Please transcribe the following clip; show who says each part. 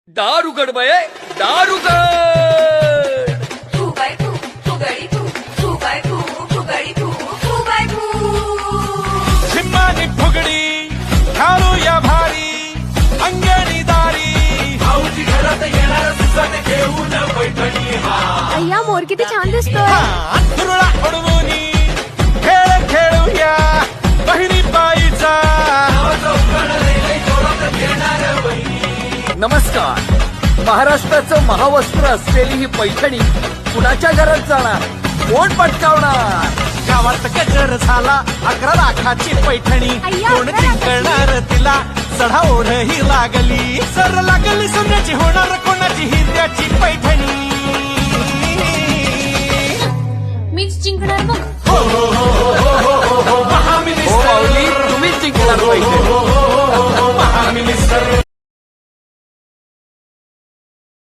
Speaker 1: दार उघड बये, दार उघड.
Speaker 2: फू बाय फू, फुगडी फू, फू बाय फू, फुगडी फू, फू बाय फू.
Speaker 3: झिम्मानी फुगडी घालूया भारी अंगणी दारी भाऊजी घरात येणार सुसाट घेऊन पैठणी
Speaker 4: अय्या मोर किती छान दिसतोय.
Speaker 3: अंथरुळा उडवूनी खेळ खेळूया बहिणी बाईचा
Speaker 1: नमस्कार. महाराष्ट्राचं महावस्त्र असलेली ही पैठणी कुणाच्या घरात जाणार, कोण पटकावणार.
Speaker 3: गावात गजर झाला 11 लाखाची पैठणी
Speaker 4: अय्या,
Speaker 3: कोण
Speaker 4: 11
Speaker 3: जिंकणार तिला चढा ओढ ही लागली सर लागली सोन्याची होणार कोणाची हिऱ्याची पैठणी
Speaker 4: मीच जिंकणार